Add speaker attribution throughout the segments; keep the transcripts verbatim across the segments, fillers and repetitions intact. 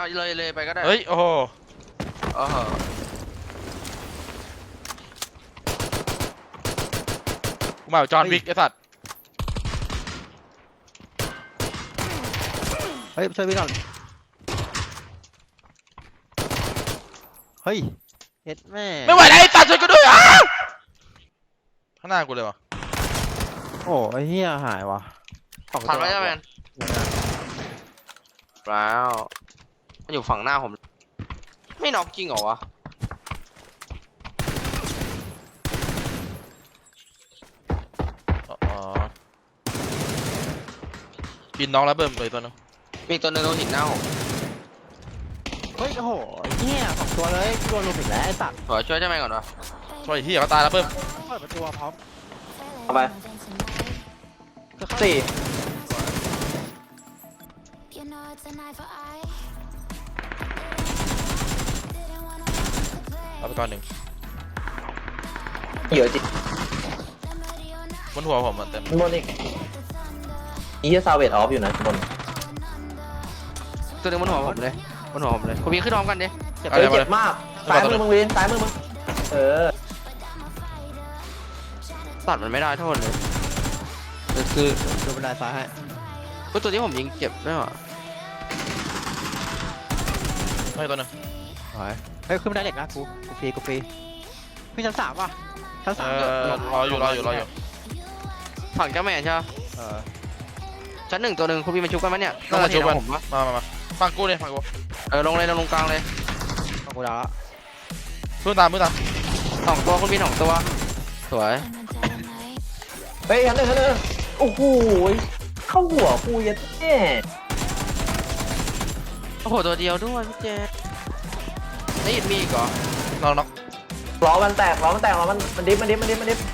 Speaker 1: เลยเลยไปก็ได้
Speaker 2: เฮ้ยโอ้โห
Speaker 1: เออ
Speaker 2: กูมาจอห์นวิกไอ้สัตว์
Speaker 3: เฮ้ยช่วยพี่ก่อนเฮ้ยเฮ็ดแม่
Speaker 2: ไม่ไหวแล้วไอ้สัตว์ช่วยกูด้วยอ่ะข้างหน้ากูเลยวะ
Speaker 3: โอ้ไอ้เหี้ยหายว่ะ
Speaker 1: ผ่านไปแล้วแมนแล้วมันอยู่ฝั่งหน้าผมไม่น็อกจริงเหรอวะ
Speaker 2: อ๋อบินน้องแล้วเบิ่มเลยตัวนึง
Speaker 1: มีตัวนึงโดนหินหน้าผม
Speaker 3: เฮ้ยโอ้โหเหี้ยสองตัวเลยโดนลุมอีกแล้วไอ้สัตว์
Speaker 1: ขอช่วยได้ไหมก่อนวะ
Speaker 2: ช่วยที่เขาตายแล้วเบิ่ม
Speaker 3: เปิดประตูพร้อม
Speaker 4: เอาไปสี่
Speaker 2: เอาไปก่อนหนึ่ง
Speaker 4: เยอะจริง
Speaker 2: บนหัวผมมันเต็ม
Speaker 4: บนอีกอีซาเวตออฟอยู่นะบน
Speaker 1: ตัวนึงบนหัวผมเลยบนหัวผมเลยคุณพี่ขึ้นพร้อมกันดิ
Speaker 4: เจ็บเจ็บมากซ้ายมือมึงวินซ้ายมือมึงเออ
Speaker 1: ตัดมันไม่ได้โทษเลยคือ
Speaker 3: ดูบันไดซ้ายให้
Speaker 1: ก็ตัวที่ผมยิงเจ็บด้วยวะ
Speaker 2: ไม่ตัวนึง
Speaker 3: เฮ้ยขึ้นบันไดเด็กนะกูกูฟรีกูฟรีพี่ชั้นสามว่ะชั้นสาม
Speaker 2: รออยู่รออยู่รออยู่
Speaker 1: ฝั่งเจ้าแม่ใช่ไหม
Speaker 3: เออ
Speaker 1: ชั้นหนึ่งตัวหนึ่งคุณพี่มาชุบกันไหมเนี่ย
Speaker 2: ต้องมาชุบกันมามามาฝั่งกูเลยฝั่งกู
Speaker 1: เออลงเลยลงลงกลางเลย
Speaker 3: ฝั่งกูดาวแล้ว
Speaker 2: มือตามมือตาม
Speaker 1: สองตัวคุณพี่สองตัวสวย
Speaker 4: เฮ้ยชั้นหนึ่งชั้นหนึ่งโอ้โหเข้าหัวกูยัดแน่
Speaker 1: โอ้โหตัวเดียวด้วยพี่เจได้ยินมีอีกเหรอ
Speaker 2: น้องน้อง
Speaker 4: ล้อมันแตกล้อมันแตกล้อมันมันดิฟมันดิฟมันดิฟมันดิฟ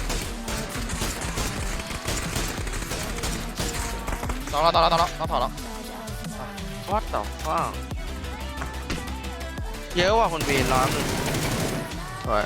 Speaker 2: น้องเราน้องเราน้องเราน้องถอดแล้ว
Speaker 1: วัดต่อว้าวเยอะว่ะคนบีนร้อนหนึ่งสวย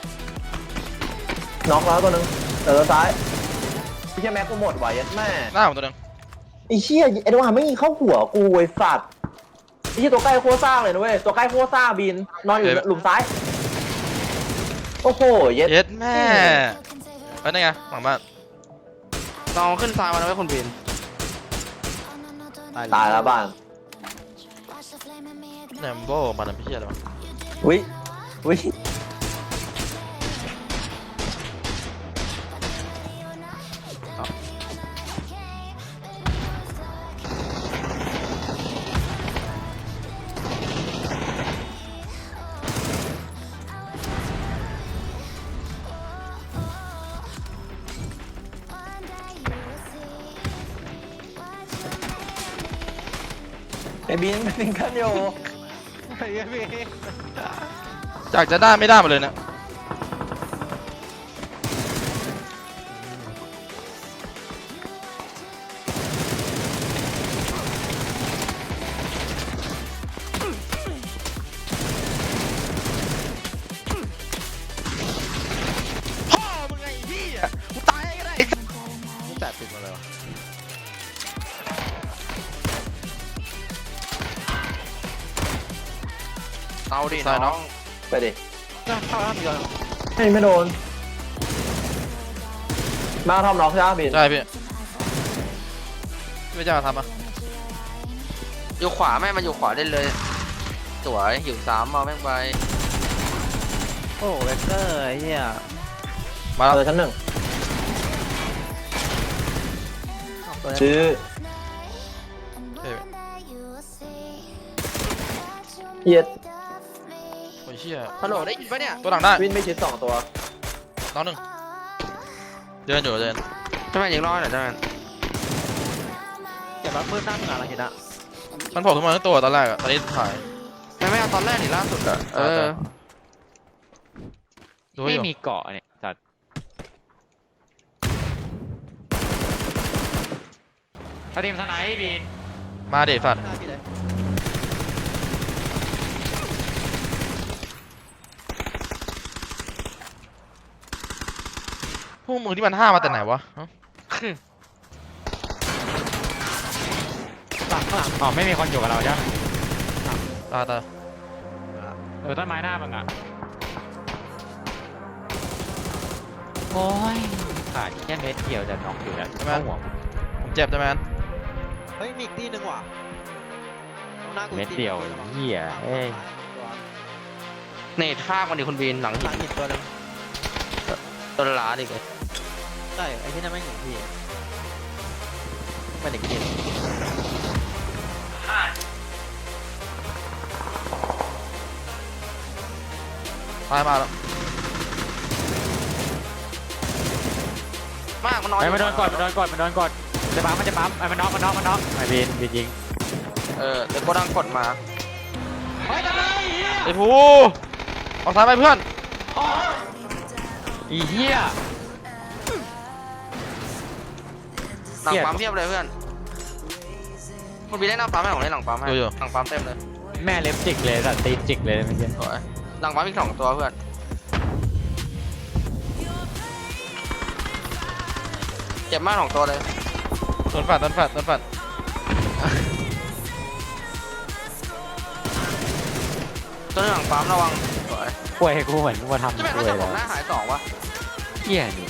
Speaker 4: น็อกแล้วตัวนึงเออซ้ายพี่แค่แม็กกูหมดไหวยัดแม่
Speaker 2: หน้าผมตัวนึง
Speaker 4: ไอ้เชี่ยไอ้ดวงไม่ยิงเข้าหัวกูไอ้สัตว์ไอ้เชี่ยตัวใกล้โคซ่าเลยนะเว้ยตัวใกล้โคซ่าบินนอนอยู่หลุมซ้ายโอ้โหเย็ด
Speaker 2: เย็ดแม่เฮ้ยนี่ไงหลังบ้าน
Speaker 1: เราขึ้นซ้ายมาแล้วไว้คนบีน
Speaker 4: ตายแล้วบ้าน
Speaker 2: แหนมโบ้มันเป็นพี่อะไรวะ
Speaker 4: วิวิไอ้บินเป็นกันอยู่
Speaker 3: ไอ้บิน
Speaker 2: จากจะได้ไม่ได้มาเลยนะพ่อมึงไงพี่อ่ะกูตายก็ได้
Speaker 3: กูแตะติดมาเลยวะ
Speaker 1: เอาดิน้อง
Speaker 4: ไปดิ
Speaker 3: เข้าแล้วมีอะไร
Speaker 4: ไม่ไม่โดนมาทำน็อกใช่ไหมบิน
Speaker 2: ใช่พี่ไม่ใช่มาทำอ่ะ
Speaker 1: อยู่ขวาแม่มันอยู่ขวาได้เลยสวยหิวซ้ำมาแม่งไป
Speaker 3: โอ้เวกเตอร์ไอ้เหี้ย
Speaker 4: มาเลยชั้นหนึ่งชื่อเฮีย
Speaker 2: โอ้ยเชี่ย
Speaker 1: ฮัลโหลได้ยินปะเนี่ย
Speaker 2: ตัวหลังได้
Speaker 4: วินไม่ชิดสองตัว
Speaker 2: น้องหนึ่งเดินอยู่เดิน
Speaker 1: ใช่ไหมยิงรอดหน่อยใช่ไหม
Speaker 3: อย่ามาเพิ่มตั้งงานอะไรเห็นอะ
Speaker 2: มันโผล่ขึ้นมาทั้งตัวตอนแรกอะตอนนี้ถ่าย
Speaker 1: ไม่ไม่เอาตอนแรกนี่ล่าสุดอะเออ
Speaker 3: ไม่มีเกาะเนี่ยจัดถ้าทีมสไนป์บิน
Speaker 2: มาเด็ดสัตว์พวกมึงที่มันห้ามาแต่ไหนวะ
Speaker 3: หลังข้างหลังอ๋อไม่มีคนอยู่กับเราใช่ไหม
Speaker 2: ตายตาย
Speaker 3: เออต้นไม้หน้ามึงอ่ะโอ้ยขาดแค่เม็ดเดียวจะน็อกอยู่แล้วเข้าหัว
Speaker 2: ผมเจ็บใช่ไหม
Speaker 5: เฮ้ยมีอีกตีหนึ่งว่ะหน้ากู
Speaker 3: เม็ดเดียวเหี้ยเอ้ย
Speaker 1: เนตข้ามกันดิคุณบีนหลัง
Speaker 5: ห
Speaker 1: หิ
Speaker 5: ลั
Speaker 1: น
Speaker 5: งหินตัวหนึง
Speaker 1: ต้นล้าดิเลย
Speaker 5: ใช่ไอ้ที่นั่นไม่เห็นพี่ไม่เด็กเกม
Speaker 2: ตายมาแล้ว
Speaker 1: มากมันนอน
Speaker 3: ไอ้มันโดนกดมันโดนกดมันโดนกดจะปั๊มมันจะปั๊มไอ้มันน็อกมันน็อกมันน็อกไอ้บีนบีนยิง
Speaker 1: เออเดี๋ยวก็ดังกดมา
Speaker 2: ไอ้ภูออกซ้ายไปเพื่อน
Speaker 3: อีเหี้ย
Speaker 1: หลังปั๊มเพียบเลยเพื่อนคุณบีนได้หน้าปั๊มให้ผมเล่นหลังปั๊มให้
Speaker 2: อยู่
Speaker 1: หลังปั๊มเต็มเลย
Speaker 3: แม่เล็บจิกเลยสัตว์ตีนจิกเลยเมื่อกี้
Speaker 1: สวยหลังปั๊มอีกสองตัวเพื่อนเจ็บมากสองตัวเลย
Speaker 2: โดนฝัดโดนฝัดโดนฝัด
Speaker 1: ตัวนึงหลังปั๊มระวังสวย
Speaker 3: ป่วยกูเหมือนกูมาทำ
Speaker 1: จะเป็น
Speaker 3: ป่
Speaker 1: เขา
Speaker 3: วย
Speaker 1: จะบ
Speaker 3: แล้
Speaker 1: อก
Speaker 3: ว
Speaker 1: หน้าหายสองวะ
Speaker 3: เหี้ยนี่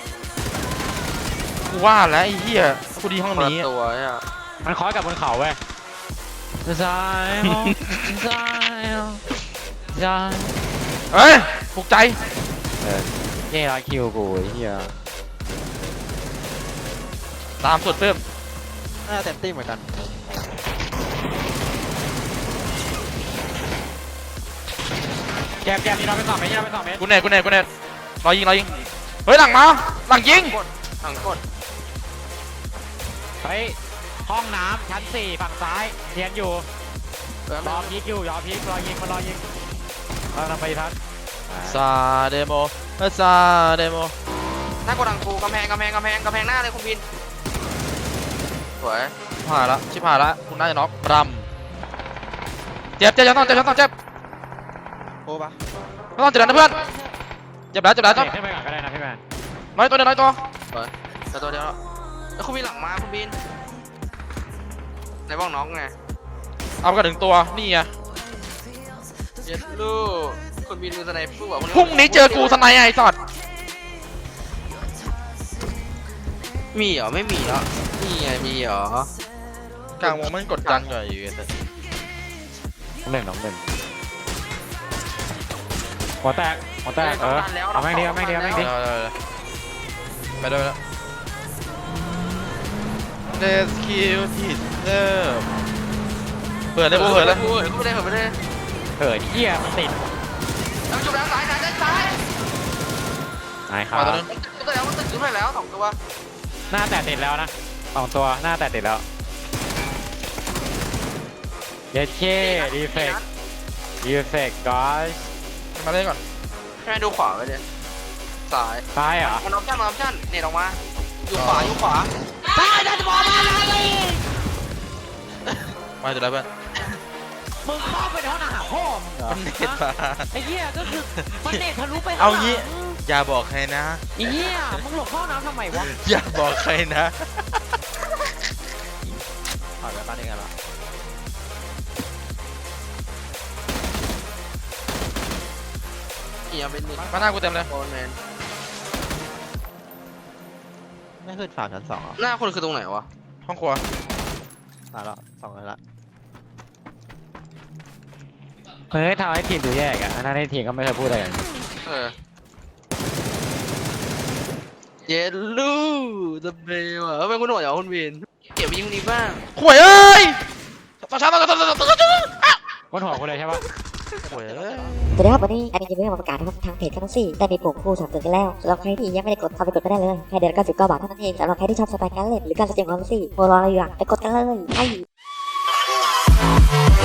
Speaker 2: กูว่าแล้วไอ้เหี้ยกูดีห้อง
Speaker 1: คนละ
Speaker 2: นี้
Speaker 1: ตัวเนี่ย
Speaker 3: มันคอยกับบนเขาเว้ยซ้ายซ้ายซ้าย
Speaker 2: เฮ้ยปลุกใจ
Speaker 3: เออเย่ร้อยคิวกูไอ้เหี้ย
Speaker 2: ตามสุดเพิ่ม
Speaker 5: น่าจะเต็มตีเหมือนกัน
Speaker 3: แกมแกมนี่เราไปสองเมตรนี่เราไปสองเมตร
Speaker 2: กูเน็ตกูเน็ตกูเน็ตรอยิงรอยิงเฮ้ยหลังมาหลังยิง
Speaker 1: กดหลังกด
Speaker 3: เฮ้ยห้องน้ำชั้นสี่ฝั่งซ้ายเรียนอยู่
Speaker 1: เออ
Speaker 3: รอพีกอยู่รอพีกรอยิงมารอยิงเราทำไปทัน
Speaker 2: ซาเดโมซาเดโม
Speaker 1: หน้ากดดังกูกำแพงกำแพงกำแพงกำแพงหน้าเลยคุณบินสวย
Speaker 2: ชิบหายละชิบหายละคุณน่าจะน็อกรำเจ็บเจ็บจะต้องเจ็บจะต้องเจ็บ
Speaker 5: โอ้ปะ
Speaker 2: จะต้องเจ็บนะเพื่อนเจ็บแล้วเจ็บแล้ว
Speaker 3: เตะ
Speaker 2: ต้อง
Speaker 3: ขึ้นไปก่อนก็ได้นะพี่แมน
Speaker 2: น้อยตัวเดียวน้อยตัว
Speaker 1: แต่ตัวเดียวแล้วแล้วคุณบินหลังมาคุณบินไหนบอกน้องไง
Speaker 2: เอาไปกันถึงตัวนี่ไง
Speaker 1: เย็ดลูกคุณบินมือสไนเปอร์แบบ
Speaker 2: พรุ่งนี้เจอกูสไนไอ้สัตว์
Speaker 1: มีเหรอไม่มีเหรอนี่ไงมีเหรอก
Speaker 2: ลางวงมันกดดันกว่าอยู่แต่
Speaker 3: หนึ่งน้องหนึ่งหัวแตกหัวแตกเออเอาแม่งดีเอาแม่งดีเอาแม่งดี
Speaker 2: เดี๋ยวไปด้วยแล้ว Let's kill it เริ่มเปิดเลยกูเปิดเลย
Speaker 1: เปิดกูเลยเปิดไปเลย
Speaker 3: เหินเหี้ยมันติด
Speaker 1: แล้วจุดแล้วซ้ายซ้ายซ้ายซ้าย
Speaker 3: นายครั
Speaker 2: มา
Speaker 3: บ
Speaker 2: ตัวนึง
Speaker 1: จุดแล้วมันตึกจุดไปแล้วสองตัว
Speaker 3: หน้าแตะติดแล้วนะสองตัวหน้าแตะติดแล้วเย็ดเช่ดีเฟกดีเฟกกอส
Speaker 2: มาเล่นก่อน
Speaker 1: ให้ดูขวาไปเลยซ้าย
Speaker 3: ซ้ายเหรอ
Speaker 1: มันออปชั่นมันออปชั่นเน็ตออกมาอยู่ขวาอยู่ขวา
Speaker 2: มาจุดแล้วเพื่อน
Speaker 3: มึงเข้าไปในห้องอาหารพ่อมึงเหรอ
Speaker 2: มันเน็ตมา
Speaker 3: ไอ้เหี้ยก็คือมันเน็ตทะลุไป
Speaker 2: เอางี้อย่าบอกใครนะ
Speaker 3: ไอ้เหี้ยมึงหลบห้องน้ำทำไมวะ
Speaker 2: อย่าบอกใครนะ
Speaker 5: ถอดไปบ้านเองกันเหรอ
Speaker 1: เอียเป็นนี่
Speaker 2: มาหน้ากูเต็มเลย
Speaker 1: โอนแมน
Speaker 5: ไม่ขึ้นฝั่งชั้นสองเหรอ
Speaker 1: หน้าคนคือตรงไหนวะ
Speaker 2: ห้องครัว
Speaker 5: ตายแล้วสองเลยละ
Speaker 3: เฮ้ยทำให้ทีมดูแย่อะอันนั้นในทีมก็ไม่เคยพูดอะไรกัน
Speaker 1: เออเย็ดลูจะเบลอ่ะเป็นคุณหน่วยเหรอคุณวินเก็บไปยิงนี้บ้าง
Speaker 2: ข่วยเอ้ยต่อช้าต่อช้าต่อช้าต่อช้าต่อช้า
Speaker 3: บนหัวกูเลยใช่ปะ
Speaker 2: ข่วยเอ้ย
Speaker 6: สวัสดีครับวันนี้แอดมินจะมีเรื่องมาประกาศนะครับทางเพจทั้งสี่ได้มีปุ่มคู่สนับสนุนกันแล้วสำหรับใครที่ยังไม่ได้กดเข้าไปกดก็ได้เลยแค่เดือนเก้าสิบเก้าบาทเท่านั้นเองสำหรับใครที่ชอบสไตล์การเล่นหรือการแสดงความรู้สึกโมรออะไรอยู่อะไปกดกันเลยไป